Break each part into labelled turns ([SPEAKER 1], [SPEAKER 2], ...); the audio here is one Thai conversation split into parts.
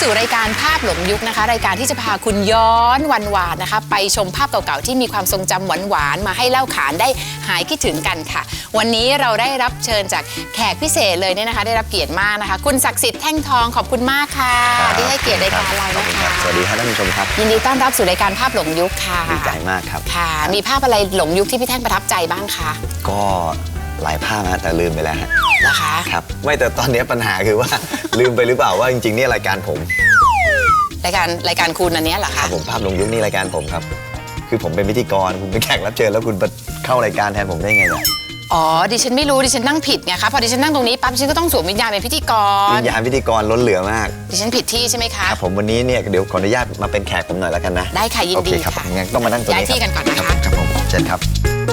[SPEAKER 1] สู่รายการภาพหลงยุคนะคะรายการที่จะพาคุณย้อนวันวานนะคะไปชมภาพเก่าๆที่มีความทรงจำหวานๆมาให้เล่าขานได้หายคิดถึงกันค่ะวันนี้เราได้รับเชิญจากแขกพิเศษเลยเนี่ยนะคะได้รับเกียรติมากนะคะคุณศักดิ์สิทธิ์แท่งทองขอบคุณมากค่ะที่ให้เกียรติรายการเรานะคะ
[SPEAKER 2] สวัสดีครับท่านผู้ชมครับ
[SPEAKER 1] ยินดีต้อนรับสู่รายการภาพหลงยุคค่ะ
[SPEAKER 2] ดีใจมากครับ
[SPEAKER 1] ค่ะมีภาพอะไรหลงยุคที่พี่แท่งประทับใจบ้างคะ
[SPEAKER 2] ก็หลายภาพนะแต่ลืมไปแล้วฮะ
[SPEAKER 1] นะคะ
[SPEAKER 2] ครับไม่แต่ตอนนี้ปัญหาคือว่า ลืมไปหรือเปล่าว่าจริงๆนี่รายการผม
[SPEAKER 1] รายการคุณอันนี้เหรอคะ
[SPEAKER 2] ผมภาพหลงยุคนี่รายการผมครับคือผมเป็นพิธีกรคุณเป็นแขกรับเชิญแล้วคุณเข้ารายการแทนผมได้ไงเนี่ย
[SPEAKER 1] อ๋อดิฉันไม่รู้ดิฉันนั่งผิดไงคะพอดิฉันนั่งตรงนี้ปั๊บดิฉันก็ต้องสวมวิญญาณเป็นพิธีกร
[SPEAKER 2] วิญญาณพิธีกรล้นเหลือมาก
[SPEAKER 1] ดิฉันผิดที่ใช่ไหมคะ
[SPEAKER 2] ครับผมวันนี้เนี่ยเดี๋ยวขออนุญาตมาเป็นแขกผมหน่อยแล้วกันนะ
[SPEAKER 1] ได้ค่ะยินดี
[SPEAKER 2] ค่ะงั้นต้องมานั่งตรงนี้
[SPEAKER 1] ย้ายที่กันก่อนนะคะ
[SPEAKER 2] ครับผมเชิญครับ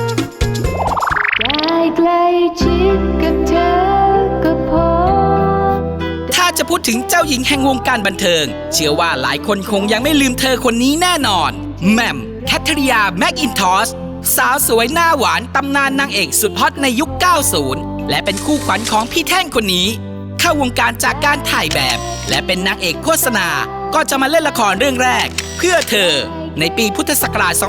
[SPEAKER 3] ได้ใกล้ชิดกับเธอก็พอ
[SPEAKER 4] ถ้าจะพูดถึงเจ้าหญิงแห่งวงการบันเทิงเชื่อว่าหลายคนคงยังไม่ลืมเธอคนนี้แน่นอนแหม่มแคทริยาแมคอินทอชสาวสวยหน้าหวานตำนานนางเอกสุดฮอตในยุค 90 และเป็นคู่ขวัญของพี่แท่งคนนี้เข้าวงการจากการถ่ายแบบและเป็นนางเอกโฆษณาก็จะมาเล่นละครเรื่องแรกเพื่อเธอในปีพุทธศักราช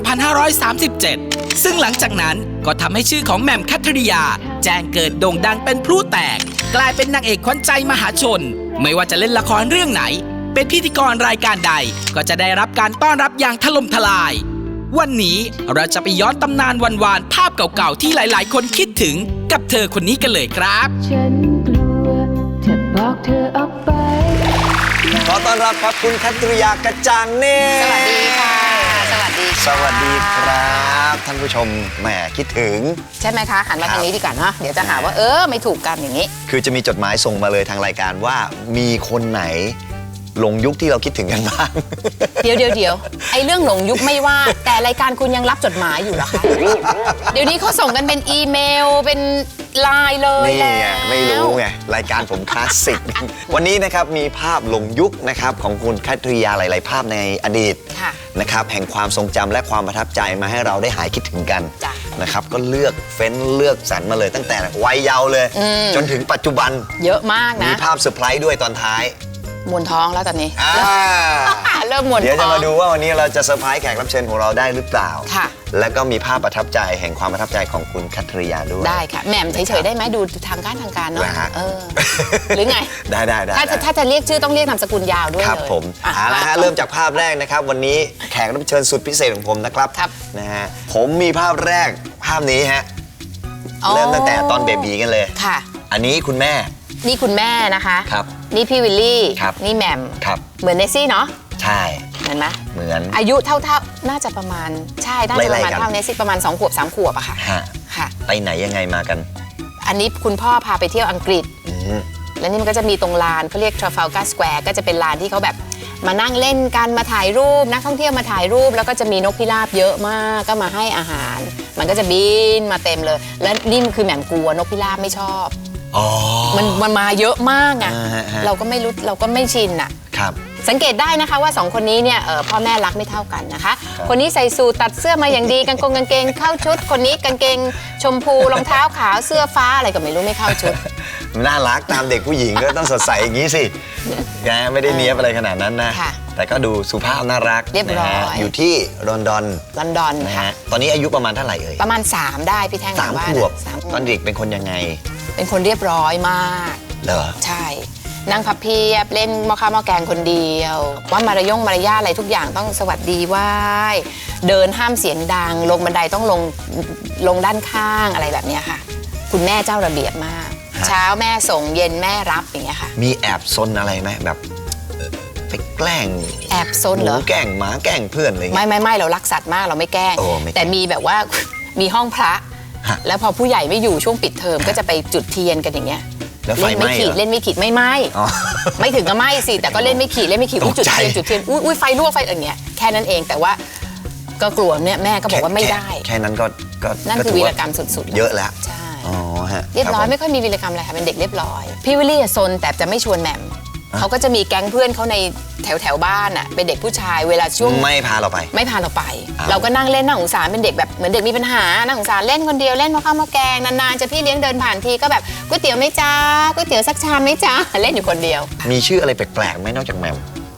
[SPEAKER 4] 2537 ซึ่งหลังจากนั้นก็ทำให้ชื่อของแหม่มแคทริยาแจ้งเกิดโด่งดังเป็นพลุแตกกลายเป็นนางเอกขวัญใจมหาชนไม่ว่าจะเล่นละครเรื่องไหนเป็นพิธีกรรายการใดก็จะได้รับการต้อนรับอย่างถล่มทลายวันนี้เราจะไปย้อนตำนานวานๆภาพเก่าๆที่หลายๆคนคิดถึงกับเธอคนนี้กันเลยครับ
[SPEAKER 3] ฉันกลัวจะบอกเธอออกไป
[SPEAKER 2] ขอต้อนรับครับคุณแคทริยากระจ่างเนตร
[SPEAKER 1] สวัสดีค่ะสวัสดี
[SPEAKER 2] สวัสดีครับท่านผู้ชมแหมคิดถึง
[SPEAKER 1] ใช่ไหมคะหันมาทางนี้ดีกว่าเนาะเดี๋ยวจะหาว่าไม่ถูกกันอย่างนี้
[SPEAKER 2] คือจะมีจดหมายส่งมาเลยทางรายการว่ามีคนไหนหลงยุคที่เราคิดถึงกันบ้าง
[SPEAKER 1] เดี๋ยวไอ้เรื่องหลงยุคไม่ว่าแต่รายการคุณยังรับจดหมายอยู่เหรอคะเดี๋ยวนี้เขาส่งกันเป็นอีเมลเป็นไลน์เลย
[SPEAKER 2] นี่ไงไม่รู้ไงรายการผมคลาสสิกวันนี้นะครับมีภาพหลงยุคนะครับของคุณแคทริยาหลายๆภาพในอดีตนะครับแห่งความทรงจำและความประทับใจมาให้เราได้หายคิดถึงกันนะครับก็เลือกสรรมาเลยตั้งแต่วัยเยาว์เลยจนถึงปัจจุบัน
[SPEAKER 1] เยอะมากนะ
[SPEAKER 2] มีภาพเซอร์ไพรส์ด้วยตอนท้าย
[SPEAKER 1] มวนท้องแล้วตอนนี้เริ่มมวนท้อง
[SPEAKER 2] เดี๋ยวจะมาดูว่าวันนี้เราจะเซอร์ไพรส์แขกรับเชิญของเราได้หรือเปล่า
[SPEAKER 1] ค่ะ
[SPEAKER 2] แล้วก็มีภาพประทับใจแห่งความประทับใจของคุณแคทริยาด้วย
[SPEAKER 1] ได้ค่ะแหม่มเฉยๆได้ไหมดูทางการเนาะหรือไง
[SPEAKER 2] ได้
[SPEAKER 1] ถ้าจะเรียกชื่อต้องเรียกนามสกุลยาวด้วย
[SPEAKER 2] ครับผมเอาละฮะเริ่มจากภาพแรกนะครับวันนี้แขกรับเชิญสุดพิเศษของผมนะครับนะฮะผมมีภาพแรกภาพนี้ฮะเริ่มตั้งแต่ตอนเบบีกันเลย
[SPEAKER 1] ค่ะ
[SPEAKER 2] อันนี้คุณแม่
[SPEAKER 1] นี่คุณแม่นะคะ
[SPEAKER 2] ครับ
[SPEAKER 1] นี่พี่วิลลี่นี่แหม่ม
[SPEAKER 2] ครับ
[SPEAKER 1] เหมือนเนซี่เนาะ
[SPEAKER 2] ใช่
[SPEAKER 1] เหมือนไหม
[SPEAKER 2] เหมือน
[SPEAKER 1] อายุเท่าน่าจะประมาณใช่น่าจะประมาณเท่าเนซี่ประมาณ2 ขวบ 3 ขวบอะค่ะ
[SPEAKER 2] ค่ะไปไหนยังไงมากัน
[SPEAKER 1] อันนี้คุณพ่อพาไปเที่ยวอังกฤษแล้วนี่มันก็จะมีตรงลานเขาเรียก Trafalgar Square ก็จะเป็นลานที่เขาแบบมานั่งเล่นกันมาถ่ายรูปนักท่องเที่ยวมาถ่ายรูปแล้วก็จะมีนกพิราบเยอะมากก็มาให้อาหารมันก็จะบินมาเต็มเลยและนี่คือแหม่มกลัวนกพิราบไม่ชอบมันมาเยอะมากอ่ะเราก็ไม่รู้เราก็ไม่ชินอ่ะสังเกตได้นะคะว่า2คนนี้เนี่ยพ่อแม่รักไม่เท่ากันนะคะคนนี้ใส่สูทตัดเสื้อมาอย่างดีกางเกงเข้าชุดคนนี้กางเกงชมพูรองเท้าขาวเสื้อฟ้าอะไรก็ไม่รู้ไม่เข้าชุด
[SPEAKER 2] น่ารักตามเด็กผู้หญิงก็ต้องสดใสอย่างนี้สิแกไม่ได้เนี้ยบอะไรขนาดนั้นนะแต่ก็ดูสุภาพน่ารัก
[SPEAKER 1] เรียบร้อย
[SPEAKER 2] อยู่ที่ลอนดอน
[SPEAKER 1] นะฮะ
[SPEAKER 2] ตอนนี้อายุประมาณเท่าไหร่เอ่ย
[SPEAKER 1] ประมาณ3ได้พี่แท่ง
[SPEAKER 2] 3 ขวบตอนเด็กเป็นคนยังไง
[SPEAKER 1] เป็นคนเรียบร้อยมาก
[SPEAKER 2] เหรอ
[SPEAKER 1] ใช่นั่งพับเพียบเล่นหม้อข้าวหม้อแกงคนเดียวว่ามารยาทอะไรทุกอย่างต้องสวัสดีไหว้เดินห้ามเสียงดังลงบันไดต้องลงด้านข้างอะไรแบบนี้ค่ะคุณแม่เจ้าระเบียบมากเช้าแม่ส่งเย็นแม่รับอย่างเงี้ยค่ะ
[SPEAKER 2] มีแอบซนอะไรไหมแบบไปแกล้ง
[SPEAKER 1] แอบซนเหรอ
[SPEAKER 2] แกล้งหมาแกล้งเพื่อนอะไร
[SPEAKER 1] ไม่เรารักสัตว์มากเราไม่แกล้งแต่มีแบบว่ามีห้องพระแล้วพอผู้ใหญ่ไม่อยู่ช่วงปิดเทอมก็จะไปจุดเทียนกันอย่างเงี้ย
[SPEAKER 2] เล่นไม่ขีด
[SPEAKER 1] ไม่ถึงก็ไม่สิแต่ก็เล่นไม่ขีดจุดเทียนอุ้ยไฟรั่วไฟอย่างเงี้ยแค่นั้นเองแต่ว่าก็กลัวเนี่ยแม่ก็บอกว่าไม่ได้
[SPEAKER 2] แค่นั้นก็
[SPEAKER 1] นั่นคือวีรกรรมสุด
[SPEAKER 2] ๆเยอะแล้ว
[SPEAKER 1] ใช่เรียบร้อยไม่ค่อยมีวีรกรรมอะไรค่ะเป็นเด็กเรียบร้อยพี่วิลลี่ซนแต่จะไม่ชวนแหม่มเขาก็จะมีแก๊งเพื่อนเขาในแถวบ้านอ่ะเป็นเด็กผู้ชายเวลาช่วง
[SPEAKER 2] ไม่พาเราไป
[SPEAKER 1] เราก็นั่งเล่นน่าสงสารเป็นเด็กแบบเหมือนเด็กมีปัญหาน่าสงสารเล่นคนเดียวเล่นหม้อข้าวหม้อแกงนานๆจะพี่เลี้ยงเดินผ่านทีก็แบบก๋วยเตี๋ยวไหมจ้าก๋วยเตี๋ยวสักชามไหมจ้าเล่นอยู่คนเดียว
[SPEAKER 2] มีชื่ออะไรแปลกๆไหมนอกจากแหม่ม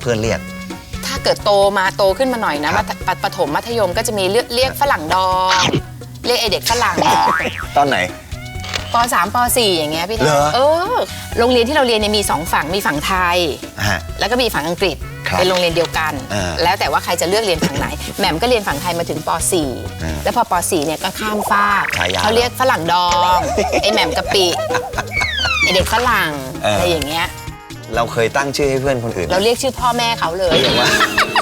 [SPEAKER 2] เพื่อนเรียก
[SPEAKER 1] ถ้าเกิดโตขึ้นมาหน่อยนะครับ ประถมมัธยมก็จะมีเรียกฝรั่งดองเรียกไอเด็กฝรั่ง
[SPEAKER 2] ตอนไหน
[SPEAKER 1] ป .3 ป .4 อย่างเงี้ยพี่แท
[SPEAKER 2] เหร
[SPEAKER 1] น
[SPEAKER 2] อ
[SPEAKER 1] โรงเรียนที่เราเรียนเนี่ยมี2ฝั่งมีฝั่งไทย
[SPEAKER 2] ฮะ
[SPEAKER 1] แล้วก็มีฝั่งอังกฤษ
[SPEAKER 2] ครับ
[SPEAKER 1] เป็นโรงเรียนเดียวกัน แล้วแต่ว่าใครจะเลือกเรียนฝั่งไหนแหม่มก็เรียนฝั่งไทยมาถึงป .4 แล้วพอป .4 เนี่ยก็ข้ามฟาก
[SPEAKER 2] ฉายา
[SPEAKER 1] เขาเรียกฝรั่งดองไอแหม่มกะปิไอเด็กฝรั่งอะไรอย่างเงี้ย
[SPEAKER 2] เราเคยตั้งชื่อให้เพื่อนคนอื่น
[SPEAKER 1] เราเรียกชื่อพ่อแม่เขาเลย
[SPEAKER 2] อย่างว่า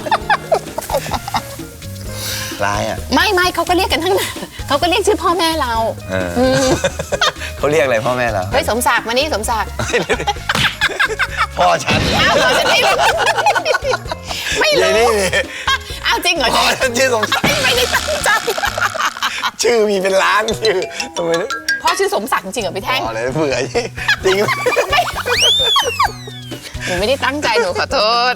[SPEAKER 2] ร้ายอ่ะ
[SPEAKER 1] ไม่เขาก็เรียกกันทั้งนั้นเขาก็เรียกชื่อพ่อแม่เรา
[SPEAKER 2] เขาเรียกอะไรพ่อแม่เรา
[SPEAKER 1] เฮ้ยสมศักดิ์มานี่สมศักดิ์
[SPEAKER 2] พ่อฉัน
[SPEAKER 1] อ้าวเหรอฉันไม่รู้ไม่
[SPEAKER 2] เดี๋ยว
[SPEAKER 1] รู้
[SPEAKER 2] นี่
[SPEAKER 1] อ้าวจริงเหรอ
[SPEAKER 2] พ่อฉันชื่อสมศักดิ์
[SPEAKER 1] ไม่ได้ตั้งใจ
[SPEAKER 2] ชื่อมีเป็นล้านชื่อทำไม
[SPEAKER 1] พ่อชื่อสมศักดิ์จริงเหรอพี่แท่ง
[SPEAKER 2] พ่อเลยเบื่อจริง
[SPEAKER 1] หนูไม่ได้ตั้งใจหนูขอโทษ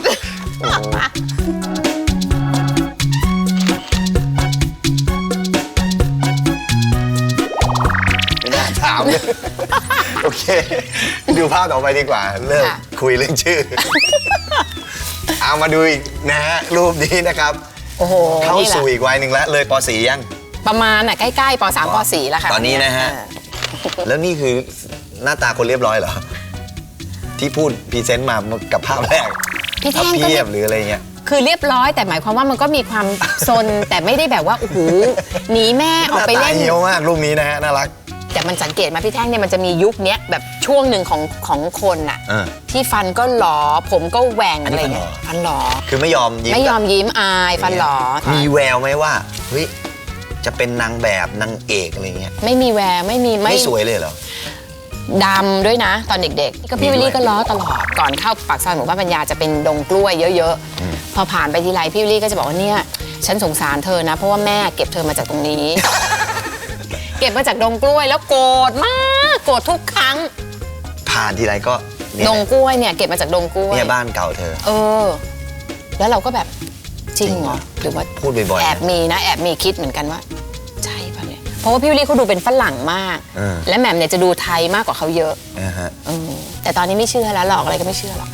[SPEAKER 2] ไม่น่าถามเลยโอเค ดูภาพต่อไปดีกว่า เริ่ม
[SPEAKER 1] ค่ะ
[SPEAKER 2] คุยเรื่องชื่อ เอามาดูอีกนะฮะรูปนี้นะครับ
[SPEAKER 1] โอ้โห
[SPEAKER 2] เข้า
[SPEAKER 1] นี่แหละ
[SPEAKER 2] สู่อีกวัยหนึ่งแล้วเลยป .4 ยัง
[SPEAKER 1] ประมาณน่ะใกล้ๆป .3 ป .4 แล้วค่ะ
[SPEAKER 2] ตอนนี้นะฮะ
[SPEAKER 1] เออ
[SPEAKER 2] แล้วนี่คือหน้าตาคนเรียบร้อยเหรอ ที่พูดพรีเซนต์มากับภาพแรก
[SPEAKER 1] พี่
[SPEAKER 2] ถ้า
[SPEAKER 1] แท่งก็
[SPEAKER 2] เพียบหรืออะไรเงี้ย
[SPEAKER 1] คือเรียบร้อยแต่หมายความว่ามันก็มีความซน แต่ไม่ได้แบบว่าโอ้โหหนีแม่ออกไป
[SPEAKER 2] หน้า
[SPEAKER 1] เล่
[SPEAKER 2] ตาน เหี่ยวมากรูปนี้นะฮะน่ารัก
[SPEAKER 1] แต่มันสังเกตมาพี่แท่งเนี่ยมันจะมียุคเนี้ยแบบช่วงหนึ่งของคนน่ะ
[SPEAKER 2] เออ
[SPEAKER 1] ที่ฟันก็หลอผมก็แหว่ง
[SPEAKER 2] อันนี้
[SPEAKER 1] อะไรเงี้ยฟันหลอ
[SPEAKER 2] คือไม่ยอมยิ้ม
[SPEAKER 1] ไม่ยอมยิ้มอายฟันหลอ
[SPEAKER 2] มีแววไหมว่าเฮ้ยจะเป็นนางแบบนางเอกอะไรเงี้ย
[SPEAKER 1] ไม่มีแววไม่มี
[SPEAKER 2] ไม่สวยเลยเหรอ
[SPEAKER 1] ดำด้วยนะตอนเด็กๆก็พี่วิลลี่ก็ล้อตลอดก่อนเข้าปากซอยหมู่บ้านปัญญาจะเป็นดงกล้วยเยอะๆพอผ่านไปทีไรพี่วิลลี่ก็จะบอกว่าเนี่ยฉันสงสารเธอนะเพราะว่าแม่เก็บเธอมาจากตรงนี้ เก็บมาจากดงกล้วยแล้วโกรธมากโกรธทุกครั้ง
[SPEAKER 2] ผ่านทีไรก็เนี่ย
[SPEAKER 1] ดงกล้วยเนี่ยเก็บมาจากดงกล้วย
[SPEAKER 2] เนี่ยบ้านเก่าเธอ
[SPEAKER 1] แล้วเราก็แบบจริงเหรอหรือว่า
[SPEAKER 2] พูดบ่อยๆ
[SPEAKER 1] แอบมีนะแอบมีคิดเหมือนกันว่าใช่ป่ะเนี่ยเพราะว่าพี่วิลลี่เขาดูเป็นฝรั่งมาก และแหม่มเนี่ยจะดูไทยมากกว่าเขาเยอะ
[SPEAKER 2] ฮะ
[SPEAKER 1] แต่ตอนนี้ไม่เชื่อแล้วหลอกอะไรก็ไม่เชื่อหรอก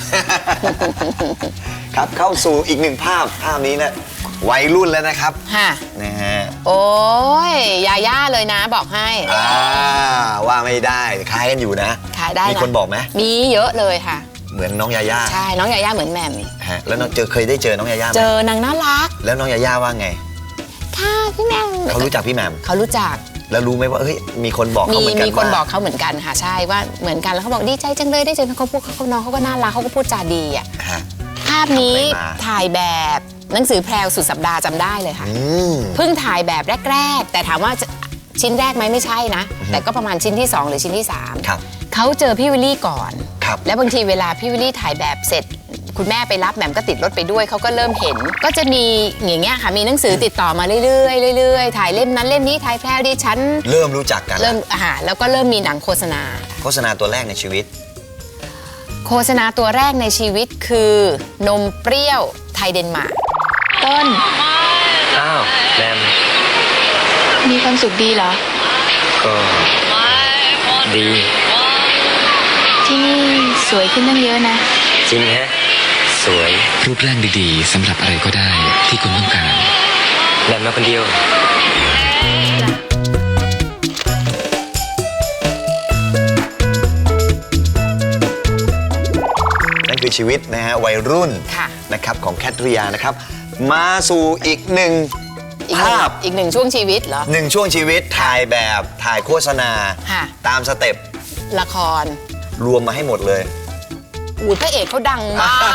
[SPEAKER 2] ครับเข้าสู่อีกหนึ่งภาพนี้นะวัยรุ่นแล้วนะครับ
[SPEAKER 1] ค่ะ
[SPEAKER 2] นะฮะ
[SPEAKER 1] โอ้ยยาย่าเลยนะบอกให้
[SPEAKER 2] ว่าไม่ได้คล้ายกันอยู่นะ
[SPEAKER 1] ขายได้นะ
[SPEAKER 2] มีคนบอกไหม
[SPEAKER 1] มีเยอะเลยค่ะ
[SPEAKER 2] เหมือนน้องยาย่า
[SPEAKER 1] ใช่น้องยาย่าเหมือนแหม่ม
[SPEAKER 2] ฮะแล้วน้องเคยได้เจอน้องยาย่าไหม
[SPEAKER 1] เจอนางน่ารัก
[SPEAKER 2] แล้วน้องยาย่าว่าไง
[SPEAKER 1] ค่ะพี่แหม่ม
[SPEAKER 2] เขารู้จักพี่แหม่ม
[SPEAKER 1] เขารู้จัก
[SPEAKER 2] แล้วรู้ไหมว่าเฮ้ยมีคนบอกเขาเหมือนกัน
[SPEAKER 1] มีคน
[SPEAKER 2] ว่า
[SPEAKER 1] บอกเขาเหมือนกันค่ะใช่ว่าเหมือนกันแล้วเขาบอกดีใจจังเลยได้เจอเขาพูดเขาน้องเขาก็น่ารักเขาก็พูดจาดีอ่ะ
[SPEAKER 2] ฮะ
[SPEAKER 1] ภาพนี้
[SPEAKER 2] ไปมา
[SPEAKER 1] ถ่ายแบบหนังสือแพรวสุดสัปดาห์จำได้เลยค่ะ เพิ่งถ่ายแบบแรก ๆ แต่ถามว่าชิ้นแรกไหมไม่ใช่นะ แต่ก็ประมาณชิ้นที่ 2 หรือชิ้นที่ 3
[SPEAKER 2] ครับ
[SPEAKER 1] เขาเจอพี่วิลลี่ก่อน
[SPEAKER 2] ครับ
[SPEAKER 1] แล้วบางทีเวลาพี่วิลลี่ถ่ายแบบเสร็จ คุณแม่ไปรับแหม่มก็ติดรถไปด้วยเขาก็เริ่มเห็น ก็จะมีอย่างเงี้ยค่ะมีหนังสือติดต่อมาเรื่อยๆเรื่อยๆถ่ายเล่มนั้นเล่มนี้ถ่ายแพรวดิฉัน
[SPEAKER 2] เริ่มรู้จักกัน
[SPEAKER 1] เริ่มแล้วก็เริ่มมีหนังโฆษณา
[SPEAKER 2] โฆษณาตัวแรกในชีวิต
[SPEAKER 1] โฆษณาตัวแรกในชีวิตคือนมเปรี้ยวไทยเดนมาร์ก
[SPEAKER 3] ต้น
[SPEAKER 5] อ้าวแรม
[SPEAKER 3] มีความสุขดีเหรอ
[SPEAKER 5] ก็ดี
[SPEAKER 3] ที่นี่สวยขึ้นตั้งเยอะนะ
[SPEAKER 5] จริงฮะ สวย
[SPEAKER 6] รูปร่างดีๆสำหรับอะไรก็ได้ที่คุณต้องการ
[SPEAKER 5] แรมมาคนเดียว
[SPEAKER 2] นั่นคือชีวิตนะฮะวัยรุ่น
[SPEAKER 1] ค่ะ
[SPEAKER 2] นะครับของแคทริยานะครับ มาสู่อีกหนึ่งภาพ
[SPEAKER 1] อีกหนึ่งช่วงชีวิตเหรอ
[SPEAKER 2] หนึ่งช่วงชีวิตถ่ายแบบถ่ายโฆษณา
[SPEAKER 1] ค่ะ
[SPEAKER 2] ตามสเต็ป
[SPEAKER 1] ละคร
[SPEAKER 2] รวมมาให้หมดเลย
[SPEAKER 1] อูดพระเอกเขาดังมาก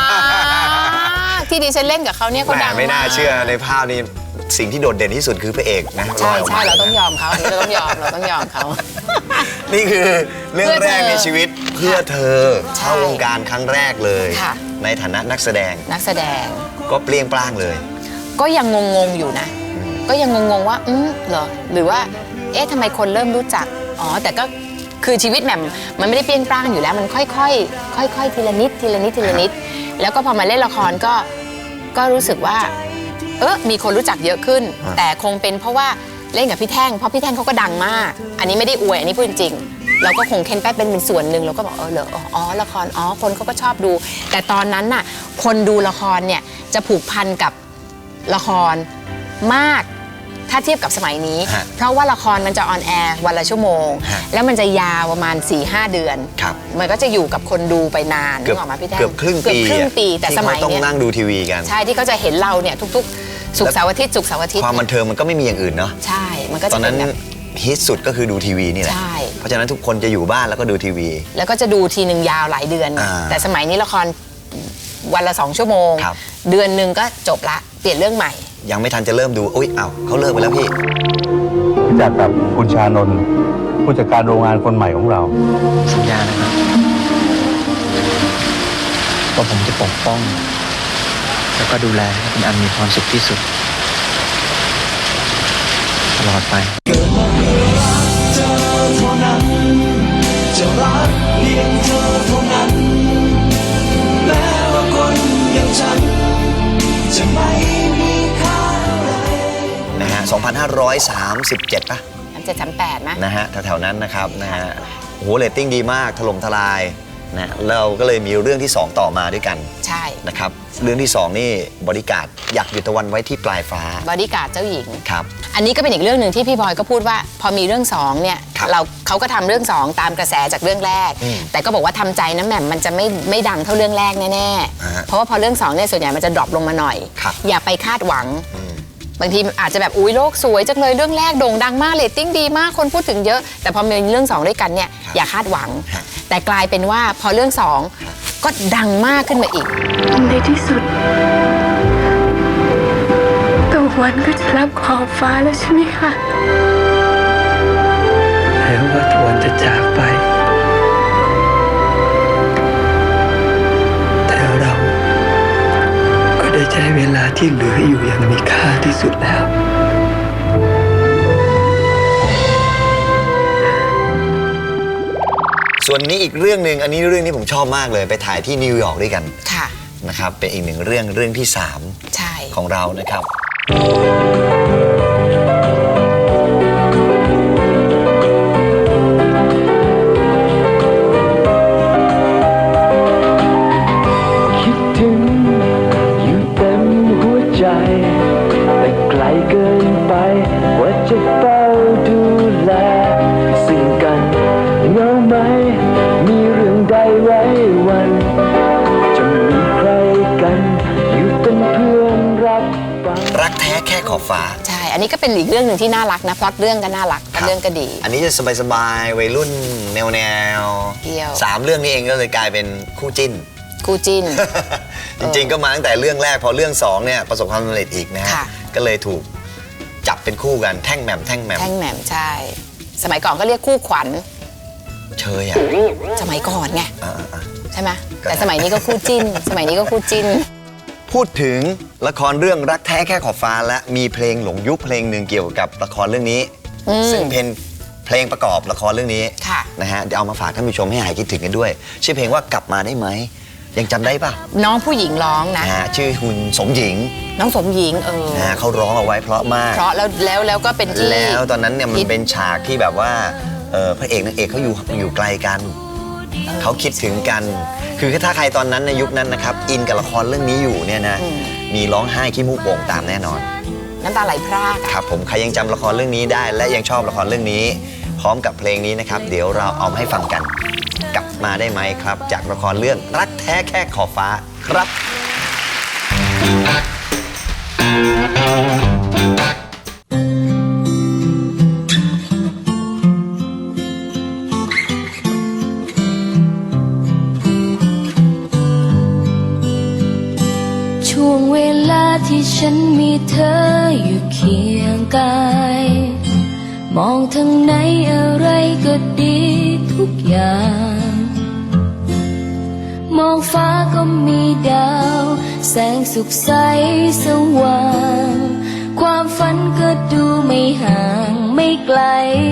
[SPEAKER 1] ที่ดิฉันเล่นกับเขาเนี่ยเขา
[SPEAKER 2] แหม
[SPEAKER 1] ดัง
[SPEAKER 2] ไม่น่าเชื่อในภาพนี้สิ่งที่โดดเด่นที่สุดคือพระเอกนะ
[SPEAKER 1] ใช่
[SPEAKER 2] ลยก
[SPEAKER 1] ใช่
[SPEAKER 2] ม
[SPEAKER 1] เราต้องยอมเขาอันนี้เราต้องยอมเราต้องยอมเขา
[SPEAKER 2] นี่คือเรื่องแรกในชีวิตเพื่อเธอ
[SPEAKER 1] ใช่
[SPEAKER 2] เข้าวงการครั้งแรกเลย
[SPEAKER 1] ค่ะ
[SPEAKER 2] ในฐานะนักแสดง
[SPEAKER 1] นักแสดง
[SPEAKER 2] ก็เปรี้ยงปร้างเลย
[SPEAKER 1] ก็ยังงงๆอยู่นะ ก็ยังงงๆว่าเหรอหรือว่าเอ๊ะทำไมคนเริ่มรู้จักอ๋อแต่ก็คือชีวิตแหม่มมันไม่ได้เปรี้ยงปร้างอยู่แล้วมันค่อยๆทีละนิดทีละนิดทีละนิด แล้วก็พอมาเล่นละครก็รู้สึกว่ามีคนรู้จักเยอะขึ้น แต่คงเป็นเพราะว่าเล่นกับพี่แท่งเพราะพี่แท่งเขาก็ดังมาก อันนี้ไม่ได้อวยอันนี้พูดจริงๆเราก็คงเค้นแป๊บเป็นส่วนหนึ่งเราก็บอกเหรออ๋อละครอ๋อคนเขาก็ชอบดู แต่ตอนนั้นน่ะคนดูละครเนี่ยจะผูกพันกับละครมากถ้าเทียบกับสมัยนี้
[SPEAKER 2] ฮะ
[SPEAKER 1] เพราะว่าละครมันจะออนแอร์วันละชั่วโมง
[SPEAKER 2] ฮะ
[SPEAKER 1] แล้วมันจะยาวประมาณ 4-5 เดือน
[SPEAKER 2] ครับ
[SPEAKER 1] มันก็จะอยู่กับคนดูไปนาน
[SPEAKER 2] เกือบ
[SPEAKER 1] นึกออกมาพี่แท่ง
[SPEAKER 2] เกือบครึ่งปี
[SPEAKER 1] เกือบครึ่งปีแต่
[SPEAKER 2] ที่
[SPEAKER 1] สมัย
[SPEAKER 2] เขาต้อง
[SPEAKER 1] เนี้ย
[SPEAKER 2] นั่งดูทีวีกัน
[SPEAKER 1] ใช่ที่เขาจะเห็นเราเนี่ยทุกๆศุกร์เสาร์อาทิตย์ศุกร์เสาร์อาทิตย์
[SPEAKER 2] ความบันเทิงมันก็ไม่มีอย่างอื่นเนาะ
[SPEAKER 1] ใช่มันก็
[SPEAKER 2] ต
[SPEAKER 1] จะ
[SPEAKER 2] อน
[SPEAKER 1] เป็
[SPEAKER 2] นั้น น
[SPEAKER 1] แบบ
[SPEAKER 2] ฮิตสุดก็คือดูทีวีนี่แหละ
[SPEAKER 1] ใช่
[SPEAKER 2] เพราะฉะนั้นทุกคนจะอยู่บ้านแล้วก็ดูทีวี
[SPEAKER 1] แล้วก็จะดูทีหนึ่งยาวหลายเดือน
[SPEAKER 2] อ่า
[SPEAKER 1] แต่สมัยนี้ละครวันละ2 ชั่วโมง
[SPEAKER 2] ครับ
[SPEAKER 1] เดือนหนึ่งก็จบละเปลี่ยนเรื่องใหม่
[SPEAKER 2] ยังไม่ทันจะเริ่มดูอุ้ยอ้าวเขาเลิกไปแล้วพี่
[SPEAKER 7] รู้จักกับคุณชานนท์ผู้จัดการโรงงานคนใหม่ของเรา
[SPEAKER 5] สัญญานะครับว่าผมจะปกป้อง แล้วก็ดูแลให้คุณอันมีความสุขที่สุด ตลอดไป
[SPEAKER 2] นะฮะ 2537 ป่ะ
[SPEAKER 1] 3738นะ
[SPEAKER 2] นะฮะ แถวๆนั้นนะครับนะฮะโอ้โหเรตติ้งดีมากถล่มทลายนะเราก็เลยมีเรื่องที่ 2 ต่อมาด้วยกัน
[SPEAKER 1] ใช่
[SPEAKER 2] นะครับเรื่องที่ 2 นี่บริการดอยากหยุดตะวันไว้ที่ปลายฟ้า
[SPEAKER 1] บอดี้การ์ดเจ้าหญิง
[SPEAKER 2] ครับ
[SPEAKER 1] อันนี้ก็เป็นอีกเรื่องหนึ่งที่พี่บอยก็พูดว่าพอมีเรื่อง2เนี่ย
[SPEAKER 2] ครับ
[SPEAKER 1] เขาก็ทำเรื่อง2ตามกระแสจากเรื่องแรก
[SPEAKER 2] อืม
[SPEAKER 1] แต่ก็บอกว่าทำใจนะแหม่มมันจะไม่ดังเท่าเรื่องแรกแน่
[SPEAKER 2] อ่าฮะ
[SPEAKER 1] ๆเพราะว่าพอเรื่อง2เนี่ยส่วนใหญ่มันจะดรอปลงมาหน่อย
[SPEAKER 2] ครับ
[SPEAKER 1] อย่าไปคาดหวัง
[SPEAKER 2] อืม
[SPEAKER 1] บางทีอาจจะแบบอุ้ยโลกสวยจังเลยเรื่องแรกโด่งดังมากเรตติ้งดีมากคนพูดถึงเยอะ แต่พอมีเรื่อง2ด้วยกันเนี่ยอย่าคาดหวัง
[SPEAKER 2] ฮะ
[SPEAKER 1] แต่กลายเป็นว่าพอเรื่อง2ก็ดังมากขึ้นมาอีก
[SPEAKER 3] ในที่สุดตะวันก็จะรับขอบฟ้าแล้วใช่ไหมคะ
[SPEAKER 5] แม้ว่าตะวันจะจากไป แต่เราก็ได้ใช้เวลาที่เหลืออยู่อย่างมีค่าที่สุดแล้ว
[SPEAKER 2] ส่วนนี้อีกเรื่องหนึ่งอันนี้เรื่องนี้ผมชอบมากเลยไปถ่ายที่นิวยอร์กด้วยกัน
[SPEAKER 1] ค่ะ
[SPEAKER 2] นะครับเป็นอีกหนึ่งเรื่องที่
[SPEAKER 1] ใช่
[SPEAKER 2] 3 ของเรานะครับ
[SPEAKER 8] คิดถึงอยู่เต็มหัวใจ แต่ไกลเกินไปกว่าจะเฝ้าดูแลซึ่งกันเหงาไหม มีเรื่องใดไว้วัน จะมีใครกันอยู่เป็นเพื่อนรับฟัง
[SPEAKER 2] รักแท้แค่ขอบฟ้า
[SPEAKER 1] ใช่ อันนี้ก็เป็นอีกเรื่องหนึ่งที่น่ารักนะพล็อตเรื่องก็น่ารักพล็อตเรื่องก็ดี
[SPEAKER 2] อันนี้จะสบายๆวัยรุ่นแนว
[SPEAKER 1] เที่ยว
[SPEAKER 2] 3 เรื่องนี้เองก็เลยกลายเป็นคู่จิ้น
[SPEAKER 1] คู่จิ้น
[SPEAKER 2] จริงๆก็มาตั้งแต่เรื่องแรกพอเรื่อง2เนี่ยประสบความสำเร็จอีกนะฮะ
[SPEAKER 1] ค่ะ
[SPEAKER 2] ก็เลยถูกจับเป็นคู่กันแท่งแหม่ม
[SPEAKER 1] แท่งแหม่มใช่ สมัยก่อนก็เรียกคู่ขวัญ
[SPEAKER 2] เชยอ่ะ
[SPEAKER 1] สมัยก่อนไง
[SPEAKER 2] อ่า
[SPEAKER 1] ใช่ไหม
[SPEAKER 2] ก็
[SPEAKER 1] แต่สมัยนี้ก็คู่จิ้น สมัยนี้ก็คู่จิ้น
[SPEAKER 2] พูดถึงละครเรื่องรักแท้แค่ขอบฟ้าและมีเพลงหลงยุคเพลงหนึ่งเกี่ยวกับละครเรื่องนี้
[SPEAKER 1] อืม
[SPEAKER 2] ซึ่งเป็นเพลงประกอบละครเรื่องนี้
[SPEAKER 1] ค่ะ
[SPEAKER 2] นะฮะเดี๋ยวเอามาฝากท่านผู้ชมให้หายคิดถึงกันด้วย ชื่อเพลงว่ากลับมาได้ไหมยังจำได้ป่ะ
[SPEAKER 1] น้องผู้หญิงร้องนะ
[SPEAKER 2] นะฮะชื่อคุณสมหญิง
[SPEAKER 1] น้องสมหญิง
[SPEAKER 2] นะฮะเขาร้องเอาไว้เพราะมาก
[SPEAKER 1] เพราะแล้วก็เป็นที่
[SPEAKER 2] แล้วตอนนั้นเนี่ยมัน
[SPEAKER 1] ฮิต
[SPEAKER 2] เป็นฉากที่แบบว่าพระเอกนางเอกเขาอยู่ไกลกันเขาคิดถึงกัน คือถ้าใครตอนนั้นในยุคนั้นนะครับอินกับละครเรื่องนี้อยู่เนี่ยนะมีร้องไห้ขี้มูกโป่งตามแน่นอน
[SPEAKER 1] น้ำตาไหลพรากอะ
[SPEAKER 2] ครับผมใครยังจำละครเรื่องนี้ได้ และยังชอบละครเรื่องนี้ พร้อมกับเพลงนี้นะครับเดี๋ยวเราเอามาให้ฟังกันกลับมาได้ไหมครับ จากละครเรื่องรักแท้แค่ขอบฟ้าครับ
[SPEAKER 3] ช่วงเวลาที่ฉันมีเธออยู่เคียงกาย มองทางไหนอะไรก็ดีทุกอย่าง มองฟ้าก็มีดาว แสงสุขใสสว่าง ความฝันก็ดูไม่ห่างไม่ไกล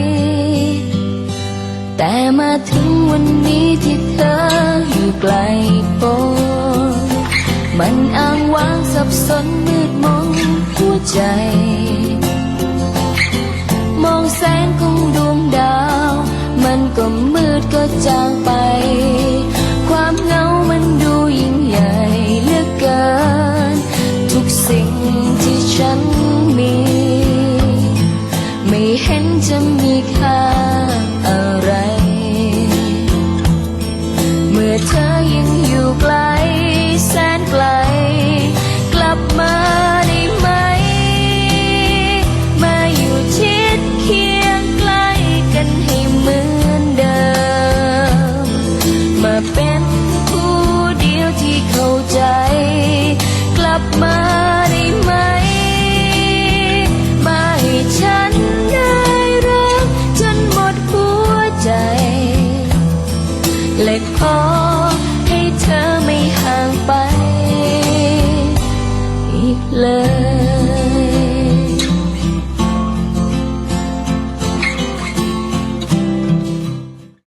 [SPEAKER 3] แต่มาถึงวันนี้ที่เธออยู่ไกลโพ้นมันอ้างว้างสับสนมืดมนหัวใจ มองแสงของดวงดาว มันก็มืดก็จางไป ความเหงามันดูยิ่งใหญ่เหลือเกิและขอให้เธอไม่ห่างไปอีกเลย